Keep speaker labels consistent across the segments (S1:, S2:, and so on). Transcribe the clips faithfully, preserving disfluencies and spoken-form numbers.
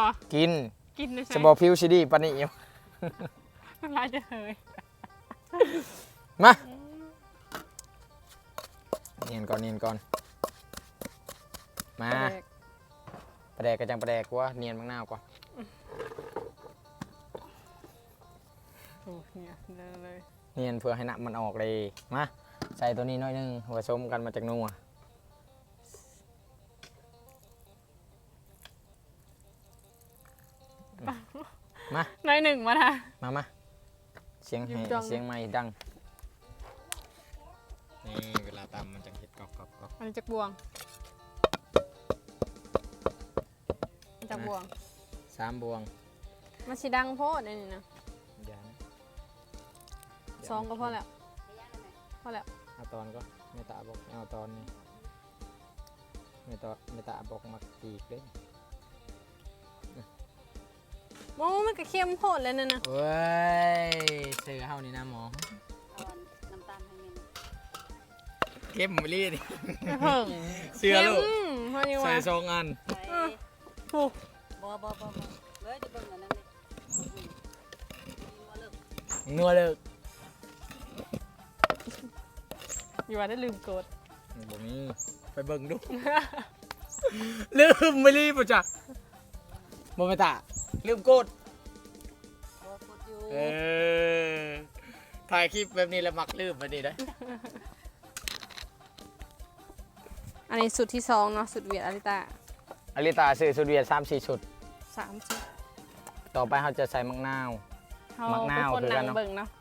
S1: กิน
S2: กินเลยใช่
S1: จะบอกพิวซิดีปานนี้อยู่
S2: น้ำลายจะเฮย
S1: มาเนียนก่อนเนียนก่อนมาประแดกกระจังประแดกว่าเนียนมะนาวก่อน
S2: โอ้เนี่ยเลย
S1: เนียนเพื่อให้น้ำมันออกเลยมาใส่ตัวนี้น้อยนึงผสมกันมาจากนัวมา
S2: น้อยหนึ่งมาท่ะ
S1: มามาเสียงให้เสียงไม่ดังนี่เวลาตำมันจะเห็ดกรอบกรอบกรอบ
S2: อันนี้จากบวงจากบวง
S1: สามบวง
S2: มันสีดังโพดนี่นะสองก็พอแล้วพอแล้ว
S1: เอาตอนก็ไม่ตาบอกเอาตอนนี้ไม่ตอไม่ตาบอกมักตีกเลย
S2: โอ้มันก็เค็มโพดเลยนั่นนะ
S1: เว้ยเสือเฮานี่นะหมอ
S3: น้ำตาลให้เงิน
S1: เข้มมิลี่นี่
S2: เสื
S1: อลูกใส่สองอัน
S2: โอ้
S3: บ่บ่บ่เลยจะเบิ่งอันนั้นเลย
S1: นัวเลิก
S2: อยู่ว่าได้ลืมกด
S1: บ่มีไปเบิ่งดูลืมมิลี่ป่ะจ๊ะบ่ไม่ตาลืมกดเออถ่ายคลิปแบบนี้แล้วมักลืมแบบนี้ได้
S2: อันนี้สุดที่สองเนาะสุดเวียดอาริตา
S1: อาริตาซื้อสุดเวียดสามสี่ชุด
S2: สามชุด
S1: ต่อไปเขาจะใส่มักนาว
S2: มักนาวคือกันเนาะเนาะ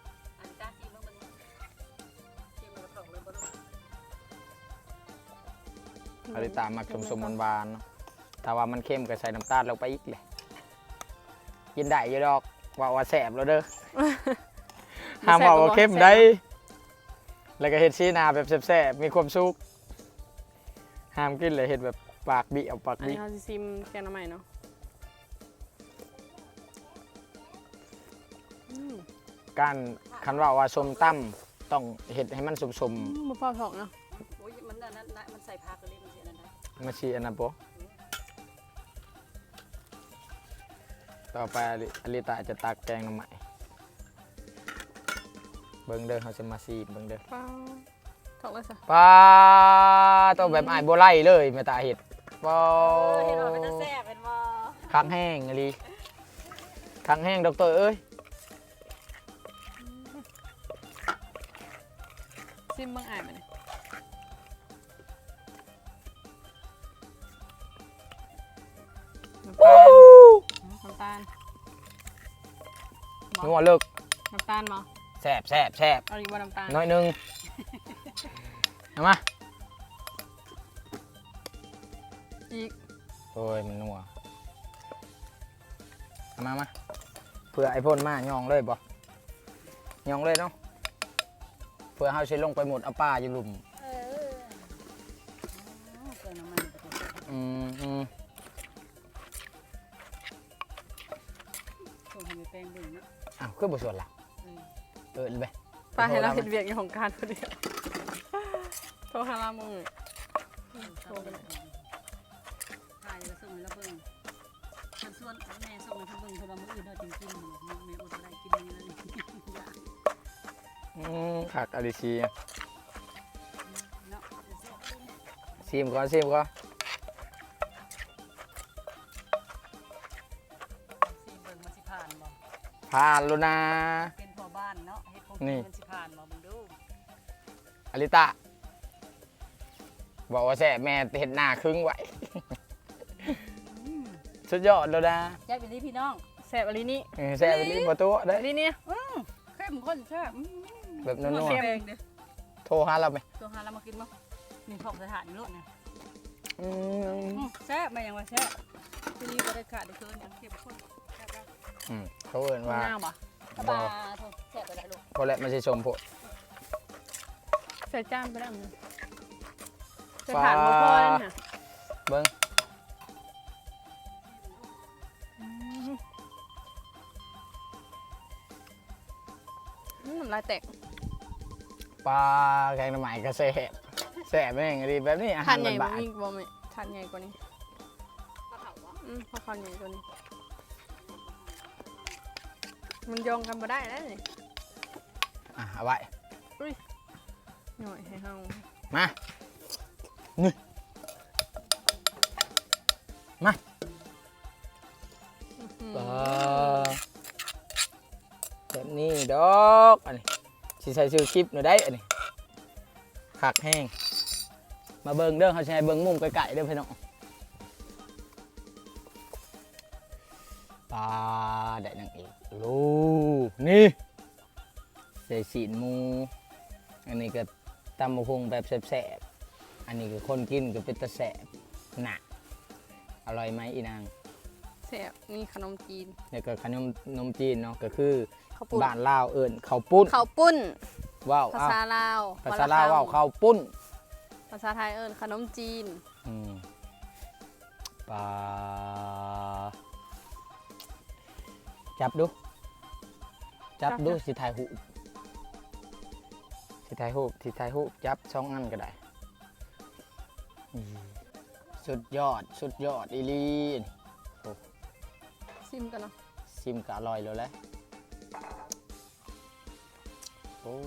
S1: อาริตามักสมสมบานๆเนาะถ้าว่ามันเข้มก็ใส่น้ำตาลลงไปอีกเลยกินได้อยู่ดอกว่าว่าแสบแล้วเด้อห้ามว่าเข้มได้แล้วก็เห็ดซีนาแบบแสบๆมีความสุขห้ามกินเลยเห็ดแบบปากบิเอาปากบิ
S2: อันนี้เขาจะซิมแกงน้ำใหม่เนาะ
S1: การคันว่าว่าส้มตั้มต้องเห็ดให้มันสม
S2: ๆมะพร้าวทองเนาะ
S3: โอ้ยมันนั่นนั่นมันใส่ผักเลยมันเสียนั่นได้
S1: มาชีอันนั้นโปต่อไปอลิตาจะตักแกงน้ำใหม่เบิ้งเด้อเขาจะมาซีเบิ้งเด้อ
S2: ป้าถอกเลยสิ
S1: ป้าตัวแบบไอ้โบไล่เลยไม่ตาเห็ดป้า
S3: เห็ดออกเป็นตะแซ่บเป็นบ่
S1: ค้างแห้งอะไรค้างแห้งดอกเตอร์เอ้ย
S2: ซิมบางอ่านมาเนี่ยน้ำตาล
S1: นัวเลิก
S2: น้ำตาลมั้ง
S1: แซ่บแซ่บแซ่บ
S2: เอาดีว่าน้ำตาล
S1: น้อยนึงเอามา
S2: อีก
S1: โอ้ยมันนัวเอามามาเพื่อไอ้พ่นมายองเลยบ่ยองเลยเนาะเพื่อเขาใช้ลงไปหมดเอาป้าอยู่หลุมอืมอืมอ้าวขึ้นบทสวดล่ะเออเลย
S2: ป้าให้เราเห็นเวียกอยู่ของการพอดีโทรหาเรามึงโทรไปเลย
S3: ถ่ายแล้วส่งให้เราเบิ่งส่วนส่วนแม่ส่งให้เบิ่งเพราะว่ามื้ออื่นเราจึงกินแม่อดอะไรกินนี่เลย
S1: อืมผักอลิชีซิมก่อนซิมก่อนผ่านแล้วนะ
S3: เป็นพ่อบ้านเนาะเฮ็ดของกินมันสิผ่านบ่มึงดู
S1: อลิตาบอกว่าแซ่แม่เห็ดหน้าครึ่งไว้สุดยอดแล้วนะ
S3: แซ่บเป็นที่พี่น้อง
S2: แซ่บอะไรนี่
S1: แซ่บเป็นประตูได้
S2: นี่เนี่ย
S3: เข้มข้นแซ่บ
S1: แบบนัวๆโทรหาเราไหม
S3: โทรหาเรามากินมั้งนี่ของสถานนี่โลดนะแซ่บมาอย่างว่าแซ่บทีนี้ก็ได้ขาดได้เกินอย่างเข้มข้น
S1: อืมเขาเอิ้นว่า
S2: น้าบ่
S3: ปลาแซ่บไปได้ลูก
S1: พอแล้วมันจะชมพวก
S2: ใส่จานไปแล้วมั้งใส่ผ่านบ่พอแล้วน่ะ
S1: เบิ้ง
S2: น้ำลายแตก
S1: ปลาแกงน้ำใหม่ก็แซ่บแซ่บแม่งดีแบบนี้อาหาร
S2: ทานใหญ่
S1: บ้าน
S2: ๆบ่มีบ่มีทานใหญ่กว่านี้อืมพอคอนใหญ่ตัวนี้ มันโยงกันมาได้แล้วนี่
S1: อ่ะเอาไว้
S2: หน่อยให้เฮา
S1: มานี่มา
S2: อืม
S1: ปลาแบบนี้ดอกอันนี้สิใส่ชื่อคลิปหน่อยได้อันนี้ขักแห้งมาเบิ่งเด้อเขาใช้เบิ่งมุมไกลๆเด้อพี่น้องปลาได้นังอีกลูกนี่ใส่สีนหมูอันนี้ก็ตำมะพงแบบแสบๆอันนี้ก็คนกินก็เป็นตะแสบหนักอร่อยไหมอีนาง
S2: แซ่บนี่ขนมจีน
S1: แล้วก็ขนมนมจีนเนาะก็คือ
S2: ข้าวปุ้น
S1: บ้านลาวเอิญข้าวปุ้น
S2: ข้าวปุ้น
S1: ว้าว
S2: ภา
S1: อ้าว
S2: ษาลาว
S1: ภาษาลาวว้าวข้าวปุ้น
S2: ภาษาไทยเอิ้นขนมจีน
S1: อืมปลาจับดู จับดูสิถ่ายหูปสิถ่ายหูปสิถ่ายหูปจับช่องอันก็ได้อืมสุดยอดสุดยอดอีหลีนี่
S2: ซิมกันเนาะ
S1: ซิมก็อร่อยแล้วแหละโอ้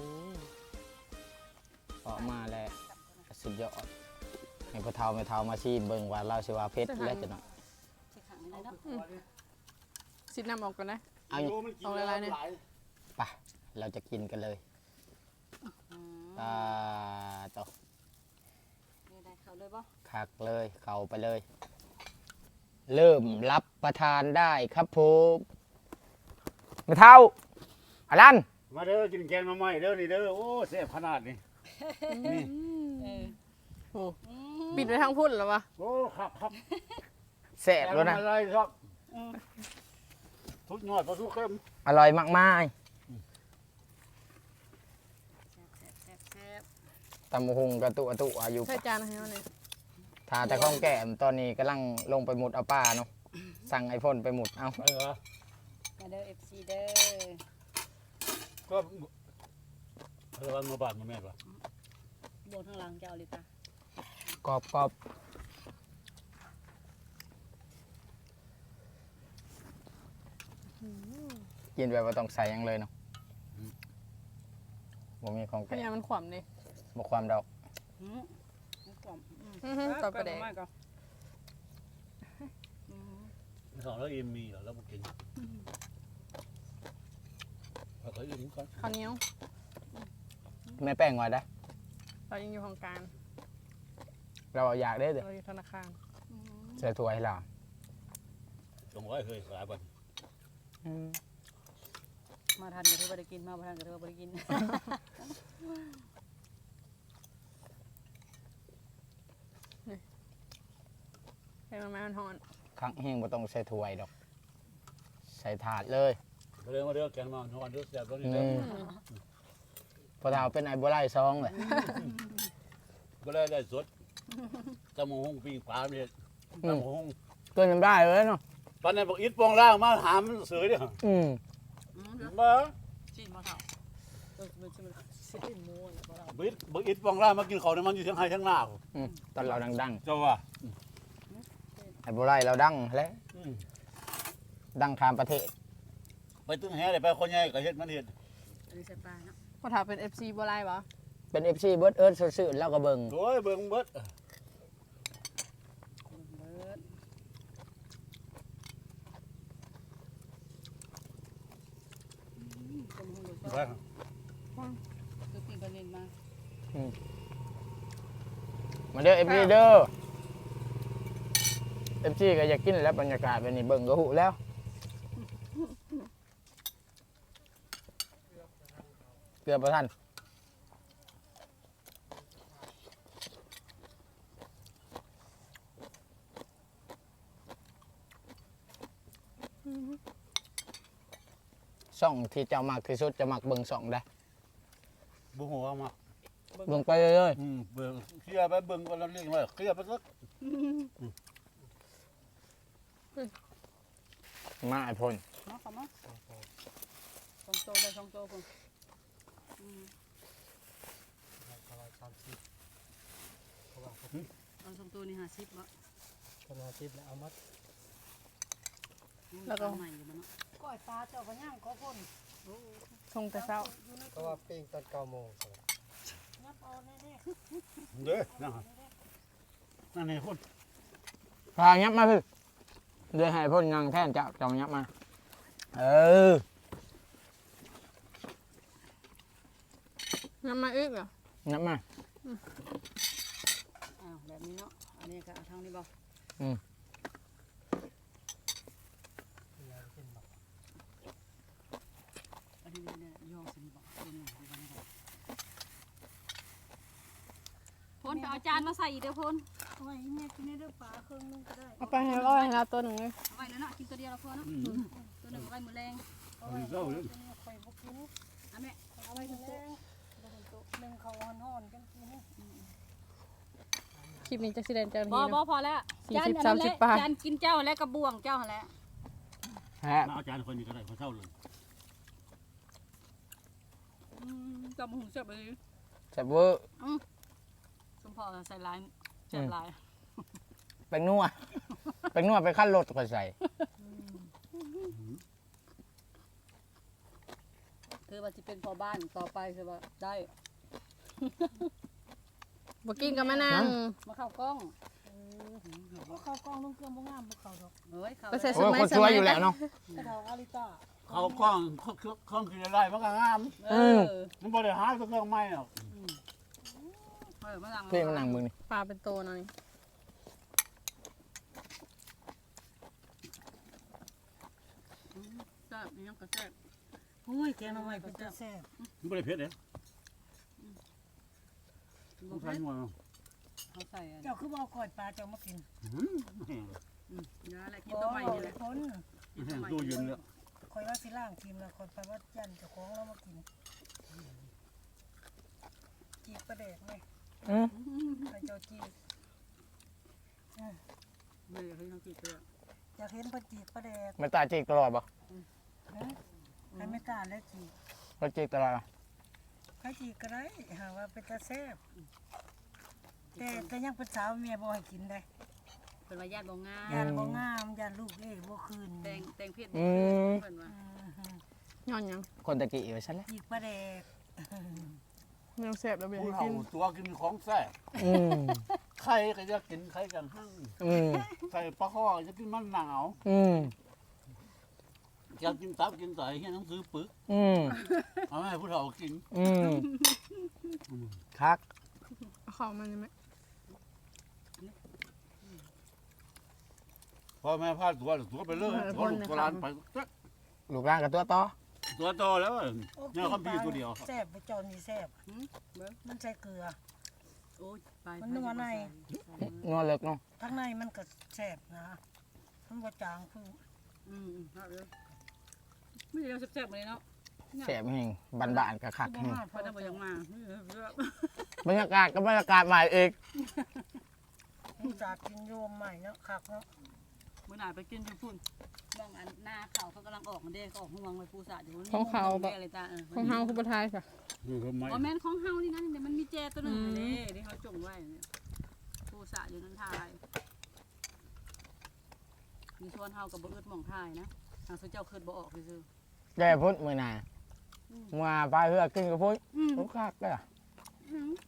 S1: ออกมาแล้วสุดยอดให้พ่อเฒ่าแม่เฒ่ามาซีเบิ่งว่าเราสิว่าเพชรแล้วจะเนาะ
S3: ใส่ขังเลยเนาะ
S2: ซิมน้ำออกก่อนนะ
S1: เอาอย่าง
S2: เอาอะไรเนี่ย
S1: ไปเราจะกินกันเลย
S3: อืม
S1: ตาต่อ
S3: นี่ได้เขาเลยบ่
S1: คักเลยเข้าไปเลย เริ่มรับประทานได้ครับผมแม่เฒ่าอลัน
S4: มาเด้อกินแกงมาใหม่เด้อนี่เด้อโอ้แซ่บขนาดนี้นี่
S3: เออ
S2: โอ้
S3: อืม
S2: ปิดไว้ทางพุ่นแล้ววะ
S4: โอ้ครับครับ
S1: แซ่บแล้วนะ
S4: อะไรครับอืมทุกหน่อยพอทุกเข้ม
S1: อร่อยมากมาย
S3: แซ่บแซ่บแซ่บ
S1: ตำบักหุงกระตุกกระตุอายุ
S2: ใส่จานให้เฮาเนี่ย
S1: ทาแต่ข้องแก้มตอนนี้กำลังลงไปหมุดเอาป้าเนาะสั่งไอโฟนไปหมุดเอา
S4: เออ
S3: มาเด้อ เอฟ ซี เด้อ
S4: ก็เออวันมาบาดมาแม่ปะ
S3: โบนข้างหลังจะเอาเลยตาก
S1: รอบกรอบกินแบบว่าต้องใส่หยังเลยเนาะบ่มีของ
S2: พยา
S1: แก้
S2: ยามมันขวำดิ
S1: บ่ความดอก
S3: อืมเอากล่อมอืม
S2: อื้อหือต่อประเด็น
S3: มากก่อนอืม
S4: สองแล้วอิ่มมีเหรอแล้วมากินเอาเขาอิ่มก่อน
S2: ข้าวเหนียว
S1: แม่แป้งไว้ได้
S2: เรายังอยู่ของกลาร
S1: เราอยากได้เด้อ
S2: เราอยู่ธนาคาร
S3: อืม
S1: ใส่ถ้วยให้เรา
S4: สองร้อยเคยขายบัน
S3: มาทันก็ถือว่าได้กินมาบ่ทันก็ถือว่าบ่ได้กิน
S2: ให้มันมามันหอน
S1: ครั้งเฮงบ่ต้องใส่ถ้วยดอก ใส่ถาดเลย
S4: มาเด้อมาเด้อแกงมานอนเด้อแซ่บแล้วนี่
S1: นี่
S4: เด้อ
S1: พอเฒ่าเป็นไอ้บ่ไล่ซองเลย
S4: ก็ได้ได้สดตะหมูหงปีปลาเนี่ยตะหมูหง
S1: เกินจำได้เลยเนาะ
S4: ตอนนี้บอกอิดปองล่างมาหามเสือเนี่ย
S1: อืม
S3: อืมเดี๋ยว
S4: มา
S3: จีนมาเท่าเออมันจะมันสิหมูเนี่ยบ่เรา
S4: บอกอิดบอกอิดปองล่างมากินเขาเนี่ยมันอยู่ทั้งไห้ทั้งหน้า
S1: อืมตอนเราดัง
S4: เจ้าว่า
S1: ๆไอ้บ่ไล่เราดังแล้ว
S4: อืม
S1: ดังข้ามประเทศ
S4: ไปตึ้งแห่เลยไปคนใหญ่ก็เฮ็ดมันเฮ็ด
S3: อันนี้ใส่ปลาเนาะ
S2: พอถามเป็น เอฟ ซี บ่ไล่บ่
S1: เป็น เอฟ ซี เบิร์ดเอิร์ดซื่อๆแล้วก็เบิ่ง
S4: โอ้ยเบิ่งเบิด
S3: เบิดอืมต้มหูลูก
S4: ไป
S3: ก็คือปีกระเด็นมา
S1: มาเด้อ เอฟ ซี เด้อ เอฟ ซี ก็อยากกินแล้วบรรยากาศแบบนี้เบิ่งก็หูแล้ว เกือบบ่ทัน ช่องที่เจ้ามักที่สุดจะมักเบิ่งช่องได้
S4: บ่ฮู้ว่ามา
S1: เบิ่งไปเรื่อย
S4: อืมเบิ่งเคลียร์ไปเบิ่งก็แล้วเรียกว่าเคลียร์ไปสัก
S1: ๆมาไอ้พล
S3: มาเข้ามาสองโตได้สองโตพุ่นอืมเอาสองโตนี่ห้าสิบบ่
S5: คนอาทิตย์แล้วเอามัด
S2: แล้วก็
S3: ใหม่อยู่บ้านเนาะ
S5: ก้อยปลาเจ้าก็ย่างก็พ่น
S2: ชงแต่เช้า
S6: เพราะว่าปิ้งตอนเก้าโมง
S5: ยับเอาแน่
S4: เด้อนั่นนั่นนี่คน
S1: พายับมาพี่เดี๋ยวให้พ่นยังแท่นจับจองยับมาเออ
S2: น้ำมาอีกเหรอ
S1: ยับมา
S3: อ้าวแบบนี้เนาะอันนี้ก็เอาทางนี้บ่
S1: อืม
S3: อันนี้เนี่ยยองสิบ่ตัวนี้ดีกว่านี้บ่พ่นไปเอาจานมาใส่อีกเด้อพ่น
S5: ๆเอาไว้ให้แม่กินได้เด้อปลาเครื่องนึงก็ได้
S2: เอาไปให้ร้อยให้เราตัวหนึ่งเลย
S3: เอาไว้แล้วเนาะกินตัวเดียวแล้วพอเนาะตัวหนึงเอาไว้มื้อแรง
S5: เอาไว้เอาไว้ข่อยบ่กิน
S3: อ่ะแม่
S5: เอาไว้แรงหนึ่งเขาห่อนๆกันกิน
S2: คลิปนี้จะสิเดนเจ้าห
S3: บ่
S2: นี้
S3: บ่
S2: เนาะ
S3: พอแล้ว
S2: สี่
S3: จาน
S2: สิบ
S3: อันนั้นแห
S2: สามสิ
S3: ละ
S2: บปลา
S3: จานกินเจ้าและกระบวงเจ้าหั่นแหละ
S1: ฮะ
S4: มาเอาจารย์คนนี้ก็ได้เขาเช่าเลย
S3: อืมจำหุงเสียบเลย
S1: แซ่บเวอร์
S3: สมพอใส่ลายเสียบลาย
S1: แป้งนัวแป้งนัวไปขั้นรถก็ใส่
S3: คือว่าจะเป็นพอบ้านต่อไปคือว่าได้
S2: บ่กินกับมะนาว
S3: มาเข้ากล้อง
S5: บ่เข้ากล้องลงเครื่องบ่งามบ่เข้าดอก
S3: เฮ้ยเข้า
S2: ไปใส่
S1: โอ้ยคนสวยอยู่แล้วเนาะ
S5: กระเทาอาริต้า
S4: เขากล้องเขาเครื่องกินอะไรมันก็งาม
S3: เออ
S4: มันบ่ได้หาเครื่องใหม่หรอก
S3: เออมาหลัง
S1: พี่มันนั่งมึงนี่
S2: ปลาเป็นโตหน่อย
S3: แซ่บนี่ยังก็แซ่บ
S5: อุ้ยแกงหน่อไม้เป็นตาแซ่บ
S4: มันบ่ได้เผ็ดเด้
S3: บ่
S4: มัน
S3: เผ็
S4: ใส่
S3: ด
S4: หมด
S3: เขาใส่อัน
S5: เจ้าคือบ่เอาก้อยปลาเจ้ามากิน
S4: อืม
S3: อืมยาอะไรกิน
S5: บ่
S3: ตัวใหม่นี่แหละ
S5: พ้น
S4: ดูยืนแล้ว
S5: ข่อยว่าสิล้างทีมแล้วข่อยไปว่ายันเจ้าของเรามากินจีบประเดกไหม
S1: อืม
S5: ใครเจ้าจีบ
S3: เฮ้ยเฮ้ยน้องจีบเปลือก
S5: อยากเห็นเพิ่นจีบประเดก
S1: ไม่ตาจีกตลอดปะ
S5: ฮะใครไม่กล้าแล้วจีบ
S1: เราจีกตลอดปะ
S5: ใครจีบก็ได้หาว่าเป็นตาแซ่บแต่แต่ยังเป็นสาวเมียบ่ให้กินได้
S3: เป็นว่าญาติบ่งาม
S5: ยานบ่งามยานลูกเอ้ยบ่คืน
S3: แตงแตงเพชร
S1: อืม
S3: เพิ่นว่า
S5: อือฮึ
S2: ย้อนหยัง
S1: คนตะกี้อยู่ฉันแหล้ว
S5: จีบประเดก
S2: แนวแซ่บแล้วเบีย
S4: ผู้
S2: ร์
S4: เฒ่า
S2: กิน
S4: ตัวกินของแซ่บ
S1: อืม
S4: ไข่ก็จะกินไข่กันหั่ง
S1: อืม
S4: ใส่ปลาข้อจะกินมันหนาว
S1: อืม
S4: อยากกินตับกินไตเฮียหนังสือปึก
S1: อืม
S4: เอาให้ผู้เฒ่ากิน
S1: อืมคัก
S2: เอาเข้ามาได้ไหม
S4: พ่อแม่พาตัวตัวไปเลยตัวลูกตัวหลานไป
S1: ลูกร่างกับตัวต่อ
S4: ตัวโตแล้วเนี่ยเขามีตัวเดียว
S5: แซ่บไปจอนนี่แซ่บ
S3: หืมเบิ่ง
S5: มันใส่เกลือ
S3: โอ้ยไป
S5: มันนัวใน
S1: นัวเลิกเนาะ
S5: ทั้งในมันก็แซ่บนะมันบ่จางคือ
S3: อืมอืมเอาเลยไม่ได้เอาแซ่บๆมาเลยเนาะ
S1: แสบแห้งบานบานๆกับคัก
S5: บ่
S1: แห้ง
S5: มา
S3: เพราะถ้าบ่ยังมาเออแซ่บบ
S1: รรยากาศก็บรรยากาศใหม่อีก
S5: ผู้จากกินโยมใหม่เนาะคักเนาะ
S3: มื้อหน้าไปกินที่พุ่นมองอันหน้าเขาเขากำลังออกมันเด้เขาออกห่วงไว้ปูสาดอยู่
S2: ของเขา
S3: แบ
S2: แบบ
S3: อะไรจ้าเออ
S2: ของเฮาคือบ่ทายค่ะ
S4: นี่ทำไม
S3: บ่แม่นของเฮานี่นะเดี๋ยวมันมีแจตัวหนึง
S2: อืม
S3: เด้ที่เขาจงไว้เนี่ยปูสาดอยู่นั่นทายมีชวนเฮากับบ่อึดหม่องทายนะทางสุเจ้าคิดบ่ออกซื่อ
S1: แกพุทธมือหนามาไปเพื่อกินกับพุทธ
S3: ๆอืม
S1: ลูกคักเลยอะ
S3: อืม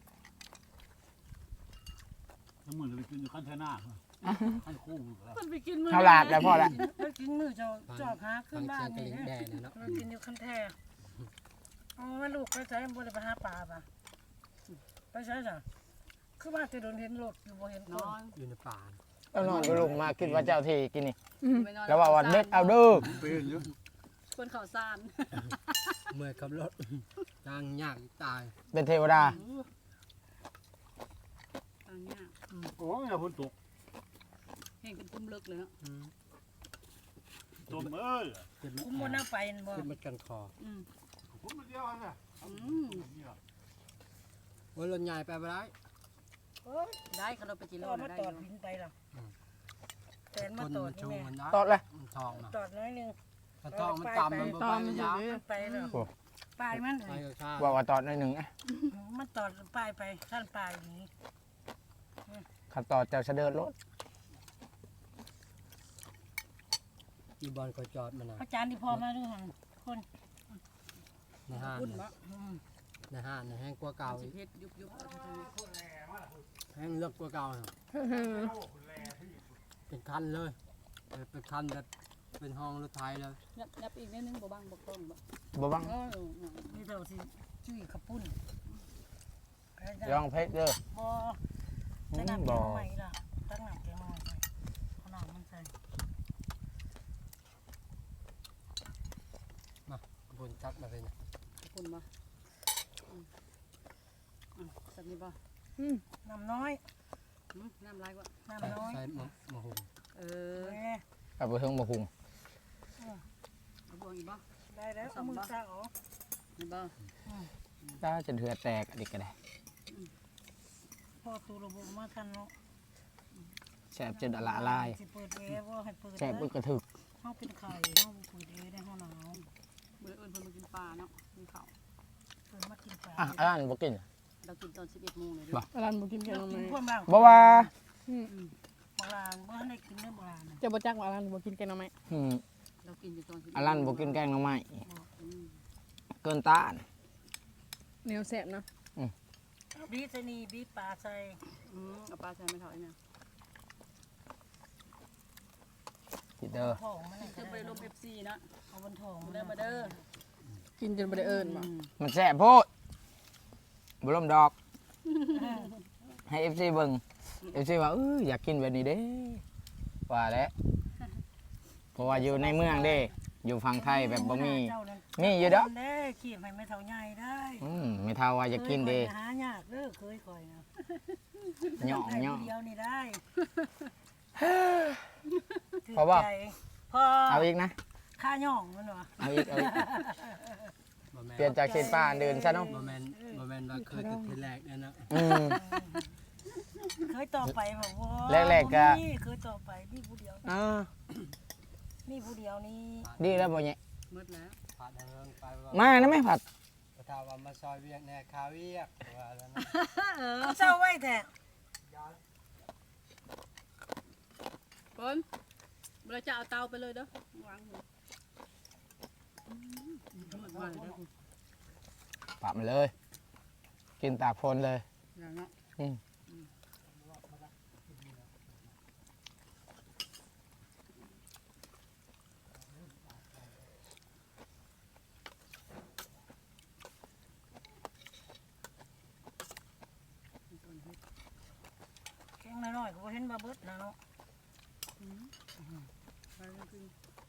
S4: ทั้งหมดไปกินอยู่ขั้นเทน่าขั้นคู่
S3: เพิ่นไปกินมื้อ
S1: เท่าหลาดแล้วพอละ
S5: ไปกินมื้อเจ้าจอกหาขึ้นบ้านนี่
S6: ฟังเสียงกระลิ่งแด
S5: นะ
S6: งนะเนาะ
S5: เรากินอยู่คันแท้อ๋อลูกไปใช้บ่ได้ไปหาปลาป่ะไปใช้จ้ะคือว่าจะโดนเห็นรถอยู่บ่เห็นคน
S3: นอน
S6: อยู่ในป่า
S1: เจ้านอนก็ลงมาคิดว่าเจ้าที่กินนี่
S3: ไปนอน
S1: แล้วว่าวันเด็ดเอาเด้อ
S4: เป็นอยู่
S3: คนข้าวสาร
S6: เมื่อยขับรถยางยากตาย
S1: เป็นเทวดา
S3: อันเนี้ย
S4: โอ้ยฝนตก
S3: เห็นกันกุ้มเลิกเลยเนาะ
S6: อืม
S4: ตกเอ้ย
S6: ขึ้นมา
S5: คุ้มบ่น่าไปนั่นบ่
S6: ขึ้นมากันคอ
S3: อืม
S4: ผมมาเดียวนะ
S3: อืม
S6: โอ้ยรถใหญ่ไปบ่ได้
S5: เอ้ย
S3: ได้เขาเราไปกิน
S5: ต
S3: แล้
S5: อ
S3: ว
S5: ดมา
S3: ได้
S5: ต
S3: อ
S5: อด
S3: ยู่
S5: หินไปล่ะ
S6: อืม
S5: แตนมา
S6: คน
S5: ตอด
S6: มัน
S5: นี่
S6: ชู
S5: แม่
S6: มันได้
S1: ตอดเลย
S6: มันทองนะ
S5: ตอดน้อยหนึง
S6: ถ้าทองมันต่ำมันบ่
S2: ต
S6: ไป
S2: อมมัน
S6: ยาว
S2: อยู่
S5: มันไปแล้ว
S1: โอ้
S5: ปลายมัน
S6: ไปก็ข้าว
S1: ว่าว่าตอดหน่อยหนึ่งอะ
S5: มันตอดปลายไปท่านปลายอย่างนี้
S1: ขัดตอดเจ้าเสด็จรถ
S6: อีบอลก็จอดมานะ
S5: พระจานที่พอมาดูหันคน
S6: ในห้าง
S3: พุ่น
S6: น่ะ
S3: บ่
S5: อืม
S6: ในห้างในแห้งกว่าเก่า
S3: สิ
S6: อีก
S3: เฮ็ดยุบยุบเอาทางนี้
S6: แห้งเลือกกว่าเก่าน่ะเป็นคันเลยเออเป็นคันแบบเป็นห้องรถไทยเลย
S3: ยับยับอีกนิดนึงบ่บังบ่ต้องบ่
S1: บ่บัง
S3: เออ
S5: นี่เราสิจุ้ยขับปุ้น
S1: ยองเพชรเด้อ
S5: บ่ใส่น้ำแกงใหม่ล่ะตั้งน้ำแกงใหม่ใส่เอาน้ำมันใส่
S6: บนจัดมาเป็น
S3: พุ่นบ่อืมอืมสักนิดบ่
S5: น้ำน้อย
S3: อืมน้ำลายกว่า
S5: น้ำน้อย
S6: ใส่มะมะฮุง
S3: เออ
S5: แม่
S1: เอาไปเทิงมาหุง
S3: เอาบวงอีกบ่
S5: ได้แล้วเอามือซาออก
S3: นี่บ่
S1: ถ้าจะเถือแตกอันนี้ก็ได้
S5: พอตูระบบมาทันเนาะ
S1: แซ่บจนละลาย
S5: สิเปิดแอร์บ่ให้เปิด
S1: แซ่บอึกกระถึก
S5: เฮาเป็นไข่เฮาบ่เปิดแอร์ได้เฮาหนาว
S3: มื้ออื่นเพิ่นมากินปลาเนาะกินข้าว
S5: เพิ่นมากินปลา
S1: อ่ะอันนั้นบ่กิน
S3: เรากินตอนสิบเอ็ดโมงเลยเด้
S1: บ่
S3: อ
S2: ร้านบ่กินแกงหน่อ
S5: กิน
S2: ไม้
S5: พวกบ้าง
S1: บ่ว่า
S5: โบราณบ่ทันได้กินเนื้อโบราณน่ะ
S2: จะบ่จักว่าร้านบ่กินแกงหน่อไม้
S1: อืม
S3: เรากินอยู่ตอนสิบเอ็ด
S1: อันนั้นบ่กินแกงหน่อไม้
S3: อืม
S1: เกินต้าน
S2: แนวแซ่บเนาะ
S5: บีใส่นี่บีปลาใส่
S3: อืมเอาปลาใส่ไม่เท่าไอ้เนี่ย
S1: สิเด้อ
S5: ทองมัน
S3: จะไปลม เอฟ ซี เนาะ
S5: เอาบนทอง
S3: มาเด้อมาเด้อ
S2: กินจนบ่ได้เอิ้นบ่
S1: มันแซ่บโพดบ่ล่มดอก ให้ เอฟ ซี เบิ่ง เอฟ ซี ว่าเอออยากกินแบบนี้เด้ว่าแล้วเพราะว่าอยู่ในเมืองเด้ อยู่ฝั่งไทยแบบบ่มี มีอยู่เด้อ
S5: เด้ขี้ให้ไม่เท่าใหญ่ได้
S1: อืมไม่เท่าว่าอยากกินเด้
S5: เคยหายากเด้อเคยคอยนะ
S1: ย่อง
S5: ได้
S1: ย่อง
S5: ผู้เดียวนี่ได้
S1: พอบ่
S5: ถืใจพอ
S1: เอาอีกนะ
S5: ค่าย่องมันวะ
S1: เอาอีกเอาอีก
S6: บะแมน
S1: เปลี่ยนจากเส้นป้าอันเดินซะเนาะ
S6: บะแมนบะแมนว่าเคยติดทีแรกเนี่ยนะ
S1: อืม
S5: เคยต่อไปแบบว่า
S1: แรกๆก็
S5: บ่มีเคยต่อไปนี่ผู้เดียว
S1: อ่า
S5: นี่ผู้เดียวนี่
S1: ดีแล้วบ่เนี่ย
S3: มืดแล้ว
S6: ผ่านทางเรื่องไปว่า
S1: มานะแม่ผัด
S6: ประทาว่ามาซอยเวียกแน่คาเวียกว่าแล้วนะ
S5: เอาเศร้าไว้แท้
S3: เพิ่นเราจะเอาเตาไปเลยเด้อวางหัวอืมมืดมากเลยเด้อ
S1: ปรับมาเลย กินตากฝนเลย
S3: อย่างเนาะ
S1: อืม
S5: แข็งน้อยๆก็บ่เห็นบาเบิดนะเนาะ
S3: ไปเลยคือ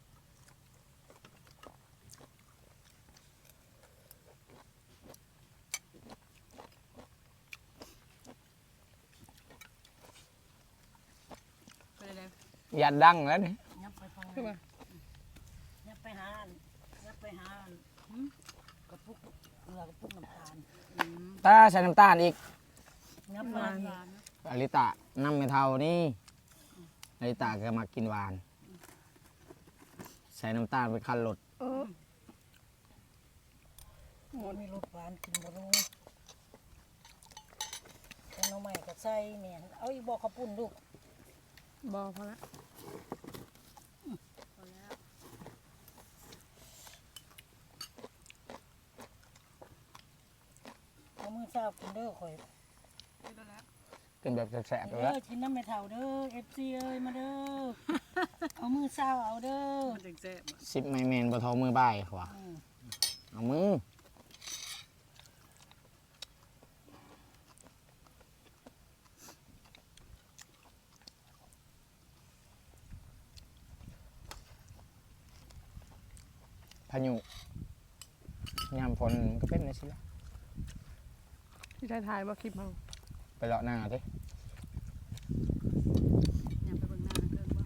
S3: ไปเลยเลย
S1: ยันดังแล้วนี่
S5: ยับไปฟัง
S2: คือว่า
S5: ยับไปหาอันยับไปหาอันหืมกระปุกเกลือกระปุกน้ำตาล
S3: อืม
S1: ตาใส่น้ำตาลอีก
S5: ยับ
S3: ห
S5: มาว
S3: าน
S5: อี
S3: ห
S5: ก
S3: วานนะ
S1: อลิตะน้ำไม่เท่านี่อลิตะก็มากินหวาน ใส่น้ำตาลไปคันรถ
S2: เออ
S5: มันมีรสหวานกินบ่รู้แกงหน่อไม้ก็ใส่แม่นเอาอีกบ่ข้าวปุ้นลูก
S2: บ่พอละ
S3: พอแล้ว
S5: เอามือเช้ากินเด้อข่อย
S3: ไปได้แล้ว
S1: กินแบบแสบๆเล
S5: เด้
S1: ย
S5: อ
S1: ละ
S5: กินน้ำแม่เฒ่าเด้อ เอฟ ซี เอ้ยมาเด้อ เอามือเช้าเอาเด้อ
S3: มันจังแซ่บอะ
S1: สิบไมเมนบะทอมือบ่ายขวา
S5: อืม
S1: เอามือพายุยามฝนมันก็เป็นนะสิละ
S2: ที่ถ่ายถ่ายบ่คลิปเฮา
S1: ไปเลาะหน้าดิ
S3: อยากไปเบิ่งหน้าเกินบ่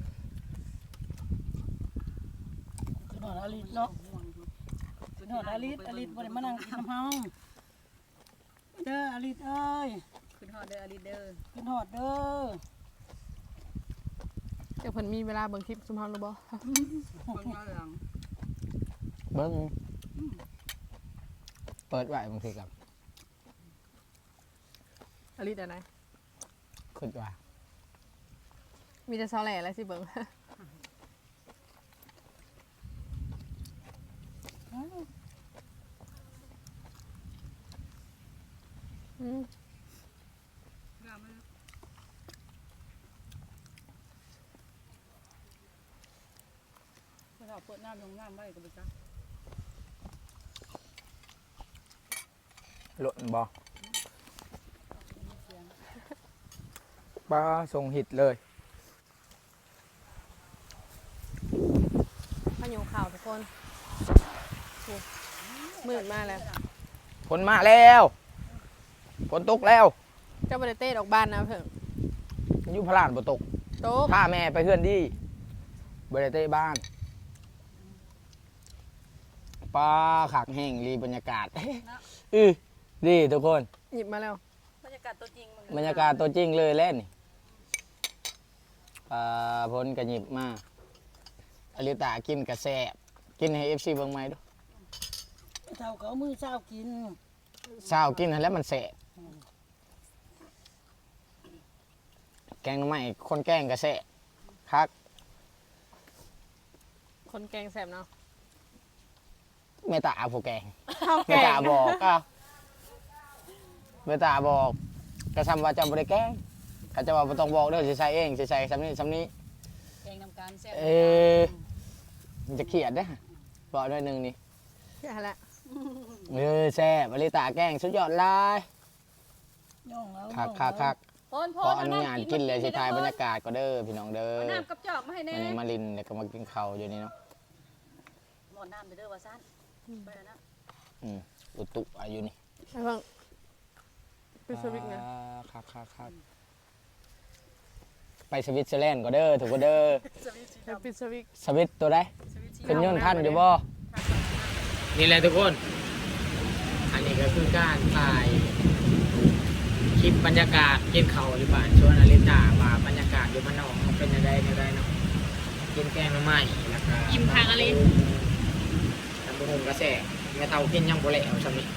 S5: คือหนอนอลิศเนาะ
S3: ม่วงอยู่
S5: คือหนอนอลิศอลิศบ่ได้มานั่งกินน้ำเฮาเด้ออลิศเอ้ย
S3: ขึ้นฮอดเด้ออลิเดอร์
S5: กินหอดเด้อ
S2: เดี๋ยวเพิ่นมีเวลาเบิ่งคลิปซุมเฮาหรือบ่
S3: เบิ่งย้อนหลัง
S1: เบิ้งเปิดไว้บางทีกับ
S2: อลิดอะไร
S1: ขึ้นว่า
S2: มีแต่ซอแหล่แล้วสิเบิ่งอืม
S3: งามไหมนะ
S5: เราเปิดน้ำลงน้ำไว้ก็ไปจ้ะ
S1: หล่นบ่ปลาส่งหิดเลย
S2: มาอยู่ข่าวทุกคนโอ้มืดมากแล้ว
S1: ฝนมาแล้วฝนตกแล้ว
S2: เจ้าบริเต้ออกบ้านนะเพิ่ง
S1: อยุพลานบ่ตก
S2: โต๊ะ
S1: พาแม่ไปเพื่อนดีบริเต้บ้านปลาขักแห้งรีบรรยากาศ อือดีทุกคน
S2: หยิบมาแล้ว
S3: บรรยากาศตัวจริงมัน
S1: บรรยากาศตัวจริงเลยเล่นนี่ปลาพ้นกระหยิบมาอลิตากินกระแซบกินให้เอฟซีเบิ่งไหมดู
S5: เท่าเขามือเช้ากิน
S1: เช้ากินให้แล้วมันแสบแกงหน่อไม้คนแกงกระแซบคัก
S2: คนแกงแสบเนาะ
S1: เมตาผู้แกง
S2: ข้าว
S1: เม
S2: แกง
S1: ตาบอกก็เมตาบอกกระซำว่าจะบริแกงก็จะว่าบ่ต้องบอกเด้อสิใส่เองสิใส่ซ้ำนี้ซ้ำนี้
S3: แกงนำการแซ่บ
S1: เออมันจะเขียดเด้อบอกด้วยหนึ่งนี่
S2: อย่าละ
S1: เออแซ่บอลิตาแกงสุดยอดหลาย
S5: ย่องแล้ว
S1: คักคักคัก
S3: พอนพ
S1: ข
S3: อ
S1: อน อนุญาตกินเลยสิทายบรรยากาศก็เด้อพี่น้องเด้อ
S3: เอาน้ำกับจอกมาให้แน่
S1: วันนี้มาลินแล้วก็มากินข้าวอยู่นี่เนาะ
S3: หมดน้ำไปเด้อว่าซั่นไปแล้วนะ
S1: อืมอุตุอายุนี่
S2: ไอ้เพิ่งไปสวิตไง
S1: อ่าคักคักคักไปสวิตเซอร์แลนด์ก็เด้อถูกก็เด้อ
S3: สวิตสี
S2: ไป
S3: ดำ
S2: ปิดสวิต
S1: สวิตตัวได้
S3: สวิตสี
S1: ขึ้นยนต์ท่านอยู่บ่นี่แหละทุกคน อันนี้ก็คือการถ่ายคลิปบรรยากาศกินข้าวหรือเปล่าชวนอลิตาว่าบรรยากาศอยู่บ้านนอกมันเป็นยังไงยังไงเนาะกินแกงหน่อไม้แล้วก็
S2: อิ่มทางอะไร
S1: ตำบักหุ่งกระแสแม่เฒ่ากินยังบ่แล้วซำนี้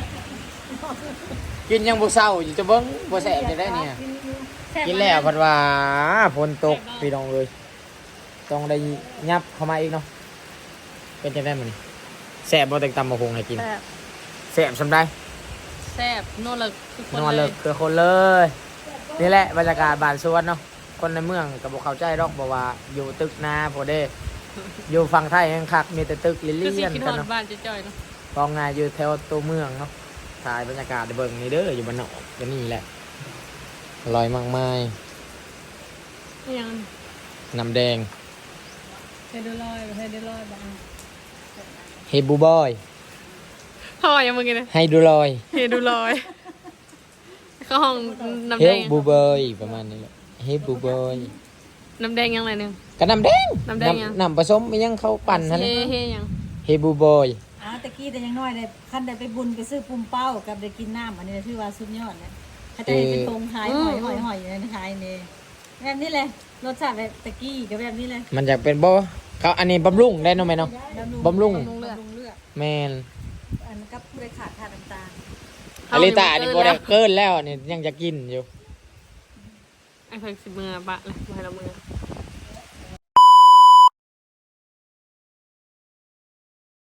S1: กินยังบ่เศร้าอยู่จะเบิ่งบ่แซ่บจะได้เนี่ยกินแล้วเพิ่นว่าฝนตกพี่น้องเอ้ยต้องได้ยับเข้ามาอีกเนาะเป็นจังได๋มื้อนี้แซ่บบ่แตงตำบักหุ่งให้กิน
S2: แซ่บ
S1: แซ่บซำได้
S2: แซ่บนวดเลยทุกคน
S1: นอน
S2: เล
S1: เลิ
S2: ย
S1: กคือคนเลยนี่แหละบรรยากาศบ้านสวนเนาะคนในเมืองก็บ่เข้าใจดอกบอกว่าอยู่ตึกนาพอเด้ อยู่ฝั่งไทยแห่งคักมีแต่ตึกลิ
S2: คือสิ
S1: เลียน
S2: คิดฮ
S1: กั
S2: อน ด
S1: เนาะ
S2: บ้านจ่อยๆเนาะ
S1: กองงานอยู่แถวตัวเมืองเนาะถ่ายบรรยากาศในเบิ่งนี่เด้ออยู่บ้านนอกก็นี่แหละอร่อยมากมาย
S2: นี่ยัง
S1: น้ำแดง
S2: เฮดูลอยเฮดูลอยบ้าง
S1: เฮบูบอย
S2: พ่อยังมึงกินเลย
S1: ไฮดูลอย
S2: เฮดูลอยเข้าห้องน้ำ
S1: เฮ
S2: แดง
S1: บูบอยประมาณนี้แหละเฮบูบอย
S2: น้ำแดงยังไงหนึ่ง
S1: ก็น้ำแดง
S2: น้ำแดงยัง
S1: น้ำผสมมันยังเข้าปั่นนั่น
S2: เฮ
S1: แหละ
S2: เฮยัง
S1: เฮบูบอย
S3: อ่าตะกี้แต่ยังน้อยเลยคันได้ไปบุญไปซื้อปุ่มเป้ากับได้กินน้ำอันนี้ถือว่าสุดยอดเลยเขาจะเห็นเป็นธงหายหอยหอยหอยอยู่ในหายนี่แบบนี้เลยรสชาติแบบตะกี้ก็แบบนี้เลย
S1: มันอยากเป็นบ่เขาอันนี้บำรุงได้เนาะไหมเนาะ บำรุง
S2: บำรุงเลือด
S3: บำรุงเลือด
S1: แมน
S3: อันกับผู้ใดขาดทานน้ำตาล
S1: อลิตานี่บ่ได้เกินแล้วนี่ยังจะกินอยู่
S2: ไอ้เพิ่งสิบมือปะเลยมาให้เรามือ